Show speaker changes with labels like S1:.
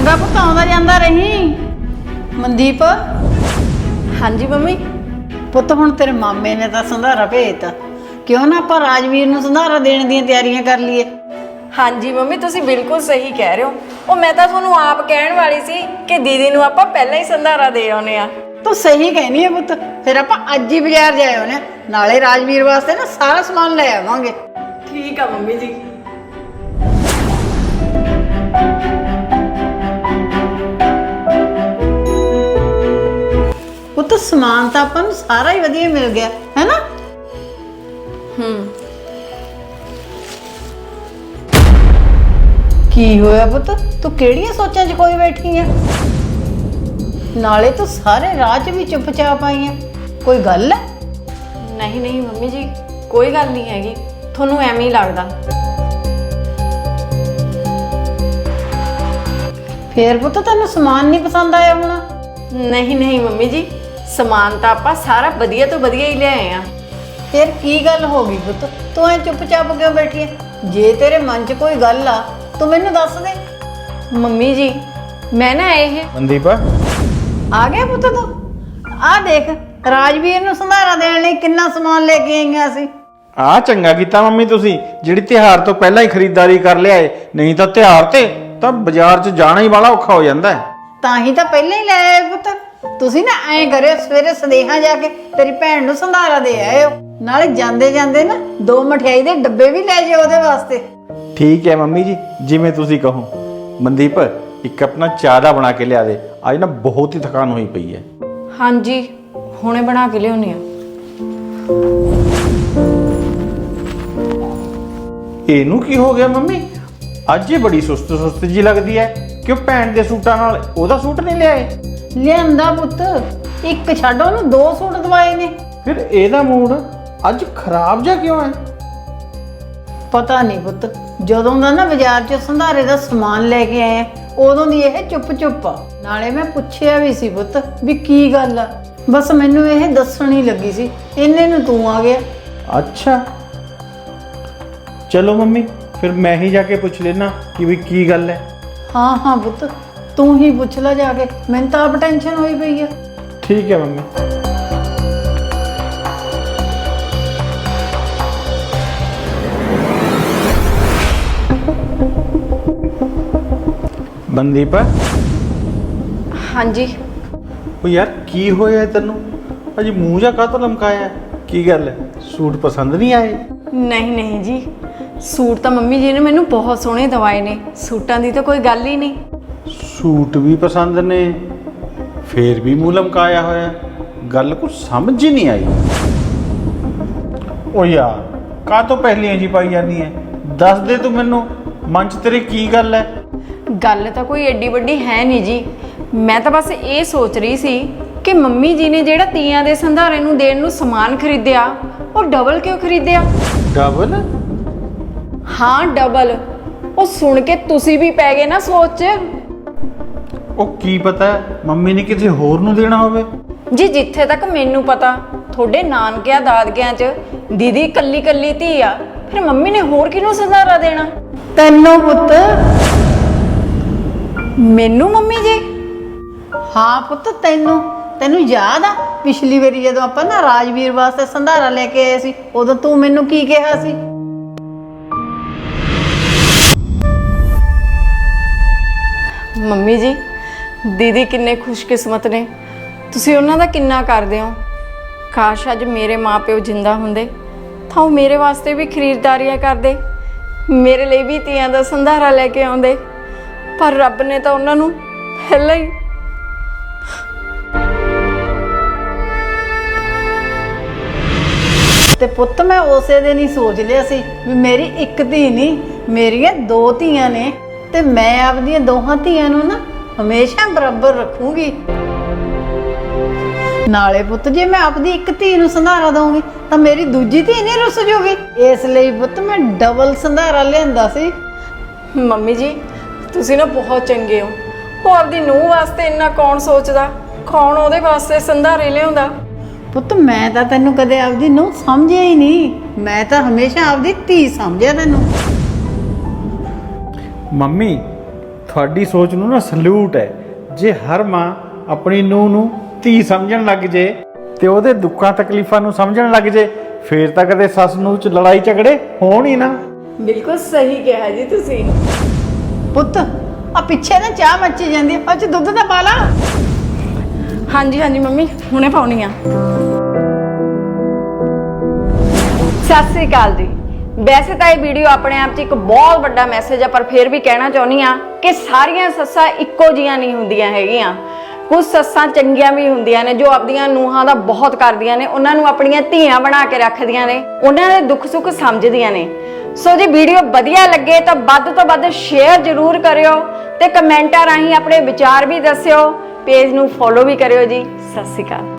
S1: ਚੰਗਾ ਪੁੱਤ ਆਉਂਦਾ ਜਾਂਦਾ ਰही। ਮਨਦੀਪ।
S2: ਹਾਂਜੀ ਮੰਮੀ।
S1: ਪੁੱਤ ਹੁਣ ਤੇਰੇ ਮਾਮੇ ਨੇ ਤਾਂ ਸੰਧਾਰਾ ਭੇਜਤਾ, ਕਿਉਂ ਨਾ ਆਪਾਂ ਰਾਜਵੀਰ ਨੂੰ ਸੰਧਾਰਾ ਦੇਣ ਦੀਆਂ ਤਿਆਰੀਆਂ ਕਰ ਲਈਏ।
S2: ਹਾਂਜੀ ਮੰਮੀ ਤੁਸੀਂ ਬਿਲਕੁਲ ਸਹੀ ਕਹਿ ਰਹੇ ਹੋ। ਉਹ ਮੈਂ ਤਾਂ ਤੁਹਾਨੂੰ ਆਪ ਕਹਿਣ ਵਾਲੀ ਸੀ ਕਿ ਦੀਦੀ ਨੂੰ ਆਪਾਂ ਪਹਿਲਾਂ ਹੀ ਸੰਧਾਰਾ ਦੇ ਆਉਨੇ ਆ।
S1: ਤੂੰ ਸਹੀ ਕਹਿਨੀ ਹੈ ਪੁੱਤ, ਫਿਰ ਆਪਾਂ ਅੱਜ ਹੀ ਬਾਜ਼ਾਰ ਜਾਏ ਹੋਣੇ, ਨਾਲੇ ਰਾਜਵੀਰ ਵਾਸਤੇ ਨਾ ਸਾਰਾ ਸਮਾਨ ਲੈ ਆਵਾਂਗੇ।
S2: ਠੀਕ ਆ ਮੰਮੀ ਜੀ।
S1: ਪੁੱਤ ਸਮਾਨ ਤਾਂ ਆਪਾਂ ਨੂੰ ਸਾਰਾ ਹੀ ਵਧੀਆ ਮਿਲ ਗਿਆ ਹੈ ਨਾ। ਕੀ ਹੋਇਆ ਪੁੱਤ, ਤੂੰ ਕਿਹੜੀਆਂ ਸੋਚਾਂ 'ਚ ਕੋਈ ਬੈਠੀ ਆ? ਨਾਲੇ ਤੂੰ ਸਾਰੇ ਰਾਹ 'ਚ ਵੀ ਚੁੱਪਚਾਪ ਆਈ ਆ, ਕੋਈ ਗੱਲ ਹੈ?
S2: ਨਹੀਂ ਨਹੀਂ ਮੰਮੀ ਜੀ, ਕੋਈ ਗੱਲ ਨਹੀਂ ਹੈਗੀ, ਤੁਹਾਨੂੰ ਐਵੇਂ ਹੀ ਲੱਗਦਾ।
S1: ਫੇਰ ਪੁੱਤ ਤੈਨੂੰ ਸਮਾਨ ਨਹੀਂ ਪਸੰਦ ਆਇਆ ਹੋਣਾ।
S2: ਨਹੀਂ ਨਹੀਂ ਮੰਮੀ ਜੀ, ਸਮਾਨ ਤਾਂ ਆਪਾਂ ਸਾਰਾ ਵਧੀਆ ਤੋਂ ਵਧੀਆ ਹੀ ਲਿਆਏ ਆ।
S1: ਫਿਰ ਕੀ ਗੱਲ ਹੋ ਗਈ ਪੁੱਤ, ਤੂੰ ਐ ਚੁੱਪਚਾਪ ਕਿਉਂ ਬੈਠੀ ਹੈ? ਜੇ ਤੇਰੇ ਮਨ 'ਚ ਕੋਈ ਗੱਲ ਆ ਤੂੰ ਮੈਨੂੰ ਦੱਸ ਦੇ।
S2: ਮੰਮੀ ਜੀ ਮੈਂ ਨਾ ਇਹ
S3: ਮਨਦੀਪ
S1: ਆ ਗਿਆ ਪੁੱਤ ਤੂੰ? ਆ ਦੇਖ, ਰਾਜਵੀਰ ਨੂੰ ਸੰਧਾਰਾ ਦੇਣ ਲਈ ਕਿੰਨਾ ਸਮਾਨ ਲੈ ਕੇ ਆਈਆਂ ਸੀ।
S3: ਆ ਚੰਗਾ ਕੀਤਾ ਮੰਮੀ ਤੁਸੀਂ, ਜਿਹੜੀ ਤਿਉਹਾਰ ਤੋਂ ਪਹਿਲਾਂ ਹੀ ਖਰੀਦਦਾਰੀ ਕਰ ਲਿਆਏ, ਨਹੀਂ ਤਾਂ ਤਿਉਹਾਰ ਤੇ ਤਾਂ ਬਾਜ਼ਾਰ 'ਚ ਜਾਣਾ ਹੀ ਬੜਾ ਔਖਾ ਹੋ ਜਾਂਦਾ ਹੈ।
S1: ਤਾਂ ਹੀ ਤਾਂ ਪਹਿਲਾਂ ਹੀ ਲੈ ਆਏ ਪੁੱਤ। ਤੁਸੀਂ ਨਾ ਐਂ ਕਰਿਓ, ਸਵੇਰੇ ਸਦੇਹਾ ਜਾ ਕੇ ਤੇਰੀ ਭੈਣ ਨੂੰ ਸੰਧਾਰਾ ਦੇ ਆਇਓ, ਨਾਲੇ ਜਾਂਦੇ ਜਾਂਦੇ ਨਾ 2 ਮਠਿਆਈ ਦੇ ਡੱਬੇ ਵੀ ਲੈ ਜਾਓ ਉਹਦੇ ਵਾਸਤੇ।
S3: ਠੀਕ ਹੈ ਮੰਮੀ ਜੀ, ਜਿਵੇਂ ਤੁਸੀਂ ਕਹੋ। ਮਨਦੀਪ ਇੱਕ ਆਪਣਾ ਚਾਹ ਦਾ ਬਣਾ ਕੇ ਲਿਆ ਦੇ, ਅੱਜ ਨਾ ਬਹੁਤ ਹੀ ਥਕਾਨ ਹੋਈ ਪਈ ਹੈ।
S2: ਹਾਂਜੀ ਹੁਣੇ ਬਣਾ ਕੇ ਲਿਆਉਣੀ ਆ।
S3: ਇਹਨੂੰ ਕੀ ਹੋ ਗਿਆ ਮੰਮੀ, ਅੱਜ ਇਹ ਬੜੀ ਸੁਸਤ ਸੁਸਤ ਜੀ ਲੱਗਦੀ ਹੈ। ਕਿਉਂ ਭੈਣ ਦੇ ਸੂਟਾਂ ਨਾਲ ਉਹਦਾ ਸੂਟ ਨਹੀਂ ਲਿਆਏ?
S1: ਲਿਆਂਦਾ ਪੁੱਤ, ਇੱਕ ਛੱਡ ਉਹਨੂੰ 2 ਸੂਟ ਦਵਾਏ ਨੇ।
S3: ਫਿਰ ਇਹਦਾ ਮੂਡ ਅੱਜ ਖਰਾਬ ਜਿਹਾ ਕਿਉਂ ਹੈ?
S1: ਪਤਾ ਨਹੀਂ ਪੁੱਤ, ਜਦੋਂ ਦਾ ਨਾ ਬਾਜ਼ਾਰ 'ਚ ਸੰਧਾਰੇ ਦਾ ਸਮਾਨ ਲੈ ਕੇ ਆਏ ਆ, ਉਦੋਂ ਦੀ ਇਹ ਚੁੱਪ ਆ। ਨਾਲੇ ਮੈਂ ਪੁੱਛਿਆ ਵੀ ਸੀ ਪੁੱਤ ਵੀ ਕੀ ਗੱਲ ਆ, ਬਸ ਮੈਨੂੰ ਇਹ ਦੱਸਣ ਹੀ ਲੱਗੀ ਸੀ, ਇੰਨੇ ਨੂੰ ਤੂੰ ਆ ਗਿਆ।
S3: ਅੱਛਾ ਚਲੋ ਮੰਮੀ, ਫਿਰ ਮੈਂ ਹੀ ਜਾ ਕੇ ਪੁੱਛ ਲੈਣਾ ਕਿ ਵੀ ਕੀ ਗੱਲ ਹੈ।
S1: ਹਾਂ ਹਾਂ ਪੁੱਤ, ਤੂੰ ਹੀ ਪੁੱਛ ਲੈ ਜਾ ਕੇ, ਮੈਨੂੰ ਤਾਂ ਆਪ ਟੈਨਸ਼ਨ ਹੋਈ ਪਈ ਆ।
S3: ਠੀਕ ਹੈ ਮੰਮੀ। ਮਨਦੀਪ
S2: ਹਾਂਜੀ
S3: ਉਹ ਯਾਰ ਕੀ ਹੋਇਆ ਤੈਨੂੰ, ਅਜੀ ਮੂੰਹ ਜਾ ਕਾਹਤੋਂ ਲਮਕਾਇਆ? ਕੀ ਗੱਲ ਹੈ, ਸੂਟ ਪਸੰਦ ਨਹੀਂ ਆਏ?
S2: ਨਹੀਂ ਨਹੀਂ ਜੀ, ਸੂਟ ਤਾਂ ਮੰਮੀ ਜੀ ਨੇ ਮੈਨੂੰ ਬਹੁਤ ਸੋਹਣੇ ਦਵਾਏ ਨੇ, ਸੂਟਾਂ ਦੀ ਤਾਂ ਕੋਈ ਗੱਲ ਹੀ ਨਹੀਂ।
S3: ਸੂਟ ਵੀ ਪਸੰਦ ਨੇ, ਫੇਰ ਵੀ ਮੂੰਹ ਲਮਕਾਇਆ ਹੋਇਆ, ਗੱਲ ਕੁਝ ਸਮਝ ਹੀ ਨਹੀਂ ਆਈ। ਓ ਯਾਰ ਕਾਹਤੋਂ ਪਹਿਲੀਆਂ ਜੀ ਪਾਈ ਜਾਂਦੀ ਹੈ, ਦੱਸ ਦੇ ਤੂੰ ਮੈਨੂੰ, ਮਨ 'ਚ ਤੇਰੇ ਕੀ ਗੱਲ ਹੈ?
S2: ਗੱਲ ਤਾਂ ਕੋਈ ਐਡੀ ਵੱਡੀ ਹੈ ਨਹੀਂ ਜੀ, ਮੈਂ ਤਾਂ ਬਸ ਇਹ ਸੋਚ ਰਹੀ ਸੀ ਕਿ ਮੰਮੀ ਜੀ ਨੇ ਜਿਹੜਾ ਤੀਆਂ ਦੇ ਸੰਧਾਰੇ ਨੂੰ ਦੇਣ ਨੂੰ ਸਮਾਨ ਖਰੀਦਿਆ, ਉਹ ਡਬਲ ਕਿਉਂ ਖਰੀਦਿਆ?
S3: ਡਬਲ?
S2: ਹਾਂ ਡਬਲ। ਉਹ ਸੁਣ ਕੇ ਤੁਸੀਂ ਵੀ ਪੈ ਗਏ ਨਾ ਸੋਚ 'ਚ।
S3: ਉਹ ਕੀ ਪਤਾ ਮੰਮੀ ਨੇ ਕਿਸੇ ਹੋਰ ਨੂੰ ਦੇਣਾ ਹੋਵੇ।
S2: ਜੀ ਜਿੱਥੇ ਤੱਕ ਮੈਨੂੰ ਪਤਾ, ਤੁਹਾਡੇ ਨਾਨਕਿਆਂ ਦਾਦਕਿਆਂ 'ਚ ਦੀਦੀ ਇਕੱਲੀ ਇਕੱਲੀ ਧੀ ਆ, ਫਿਰ ਮੰਮੀ ਨੇ ਹੋਰ ਕਿਹਨੂੰ ਸੰਧਾਰਾ ਦੇਣਾ?
S1: ਤੈਨੂੰ ਪੁੱਤ।
S2: ਮੈਨੂੰ ਮੰਮੀ ਜੀ?
S1: ਹਾਂ ਪੁੱਤ, ਤੈਨੂੰ ਯਾਦ ਆ ਪਿਛਲੀ ਵਾਰੀ ਜਦੋਂ ਆਪਾਂ ਨਾ ਰਾਜਵੀਰ ਵਾਸਤੇ ਸੰਧਾਰਾ ਲੈ ਕੇ ਆਏ ਸੀ, ਉਦੋਂ ਤੂੰ ਮੈਨੂੰ ਕੀ ਕਿਹਾ ਸੀ?
S2: ਮੰਮੀ ਜੀ ਦੀਦੀ ਕਿੰਨੇ ਖੁਸ਼ਕਿਸਮਤ ਨੇ, ਤੁਸੀਂ ਉਹਨਾਂ ਦਾ ਕਿੰਨਾ ਕਰਦੇ ਹੋ। ਕਾਸ਼ ਅੱਜ ਮੇਰੇ ਮਾਪਿਓ ਜਿੰਦਾ ਹੁੰਦੇ ਤਾਂ ਉਹ ਮੇਰੇ ਵਾਸਤੇ ਵੀ ਖਰੀਦਦਾਰੀਆਂ ਕਰਦੇ, ਮੇਰੇ ਲਈ ਵੀ ਤੀਆਂ ਦਾ ਸੰਧਾਰਾ ਲੈ ਕੇ ਆਉਂਦੇ, ਪਰ ਰੱਬ ਨੇ ਤਾਂ ਉਹਨਾਂ ਨੂੰ ਪਹਿਲਾਂ ਹੀ।
S1: ਤੇ ਪੁੱਤ ਮੈਂ ਉਸੇ ਦਿਨ ਹੀ ਸੋਚ ਲਿਆ ਸੀ ਵੀ ਮੇਰੀ ਇੱਕ ਧੀ ਨਹੀਂ, ਮੇਰੀਆਂ 2 ਧੀਆਂ ਨੇ, ਤੇ ਮੈਂ ਆਪਦੀਆਂ ਦੋਹਾਂ ਧੀਆਂ ਨੂੰ ਨਾ ਹਮੇਸ਼ਾ ਬਰਾਬਰ ਰੱਖੂੰਗੀ। ਨਾਲੇ ਪੁੱਤ ਜੇ ਮੈਂ ਆਪਦੀ ਇੱਕ ਧੀ ਨੂੰ ਸੰਧਾਰਾ ਦਊਂਗੀ ਤਾਂ ਮੇਰੀ ਦੂਜੀ ਧੀ ਨਹੀਂ ਰੁੱਸ ਜੂਗੀ, ਇਸ ਲਈ ਪੁੱਤ ਮੈਂ ਡਬਲ ਸੰਧਾਰਾ ਲਿਆਂਦਾ ਸੀ।
S2: ਮੰਮੀ ਜੀ ਤੁਸੀਂ ਨਾ ਬਹੁਤ ਚੰਗੇ ਹੋ, ਉਹ ਆਪਦੀ ਨੂੰਹ ਵਾਸਤੇ ਇੰਨਾ ਕੌਣ ਸੋਚਦਾ, ਕੌਣ ਉਹਦੇ ਵਾਸਤੇ ਸੰਧਾਰੇ ਲਿਆਉਂਦਾ।
S1: ਪੁੱਤ ਮੈਂ ਤਾਂ ਤੈਨੂੰ ਕਦੇ ਆਪਦੀ ਨੂੰਹ ਸਮਝਿਆ ਹੀ ਨਹੀਂ, ਮੈਂ ਤਾਂ ਹਮੇਸ਼ਾ ਆਪਦੀ ਧੀ ਸਮਝਿਆ ਤੈਨੂੰ।
S3: ਮੰਮੀ ਤੁਹਾਡੀ ਸੋਚ ਨੂੰ ਨਾ ਸਲੂਟ ਹੈ। ਜੇ ਹਰ ਮਾਂ ਆਪਣੀ ਨੂੰਹ ਨੂੰ ਧੀ ਸਮਝਣ ਲੱਗ ਜੇ ਤੇ ਉਹਦੇ ਦੁੱਖਾਂ ਤਕਲੀਫਾਂ ਨੂੰ ਸਮਝਣ ਲੱਗ ਜੇ, ਫੇਰ ਤਾਂ ਕਦੇ ਸੱਸ ਨੂੰਹ ਚ ਲੜਾਈ ਝਗੜੇ ਹੋਣ ਹੀ ਨਾ।
S2: ਬਿਲਕੁਲ ਸਹੀ ਕਿਹਾ ਜੀ ਤੁਸੀਂ।
S1: ਪੁੱਤ ਆ ਪਿੱਛੇ ਨਾ ਚਾਹ ਮੱਚੀ ਜਾਂਦੀ ਆ, ਉਹ 'ਚ ਦੁੱਧ ਤਾਂ ਪਾ ਲਾ।
S2: ਹਾਂਜੀ ਹਾਂਜੀ ਮੰਮੀ, ਹੁਣੇ ਪਾਉਣੀ ਆ। ਸਤਿ ਸ੍ਰੀ ਅਕਾਲ ਜੀ। ਵੈਸੇ ਤਾਂ ਇਹ ਵੀਡੀਓ ਆਪਣੇ ਆਪ 'ਚ ਇੱਕ ਬਹੁਤ ਵੱਡਾ ਮੈਸੇਜ ਆ, ਪਰ ਫਿਰ ਵੀ ਕਹਿਣਾ ਚਾਹੁੰਦੀ ਆ ਕਿ ਸਾਰੀਆਂ ਸੱਸਾਂ ਇੱਕੋ ਜੀਆਂ ਨਹੀਂ ਹੁੰਦੀਆਂ ਹੈਗੀਆਂ। ਕੁਝ ਸੱਸਾਂ ਚੰਗੀਆਂ ਵੀ ਹੁੰਦੀਆਂ ਨੇ ਜੋ ਆਪਣੀਆਂ ਨੂੰਹਾਂ ਦਾ ਬਹੁਤ ਕਰਦੀਆਂ ਨੇ, ਉਹਨਾਂ ਨੂੰ ਆਪਣੀਆਂ ਧੀਆਂ ਬਣਾ ਕੇ ਰੱਖਦੀਆਂ ਨੇ, ਉਹਨਾਂ ਦੇ ਦੁੱਖ ਸੁੱਖ ਸਮਝਦੀਆਂ ਨੇ। ਸੋ ਜੇ ਵੀਡੀਓ ਵਧੀਆ ਲੱਗੇ ਤਾਂ ਵੱਧ ਤੋਂ ਵੱਧ ਸ਼ੇਅਰ ਜ਼ਰੂਰ ਕਰਿਓ ਤੇ ਕਮੈਂਟਾਂ ਰਾਹੀਂ ਆਪਣੇ ਵਿਚਾਰ ਵੀ ਦੱਸਿਓ। ਪੇਜ ਨੂੰ ਫੋਲੋ ਵੀ ਕਰਿਓ ਜੀ। ਸਤਿ ਸ਼੍ਰੀ ਅਕਾਲ।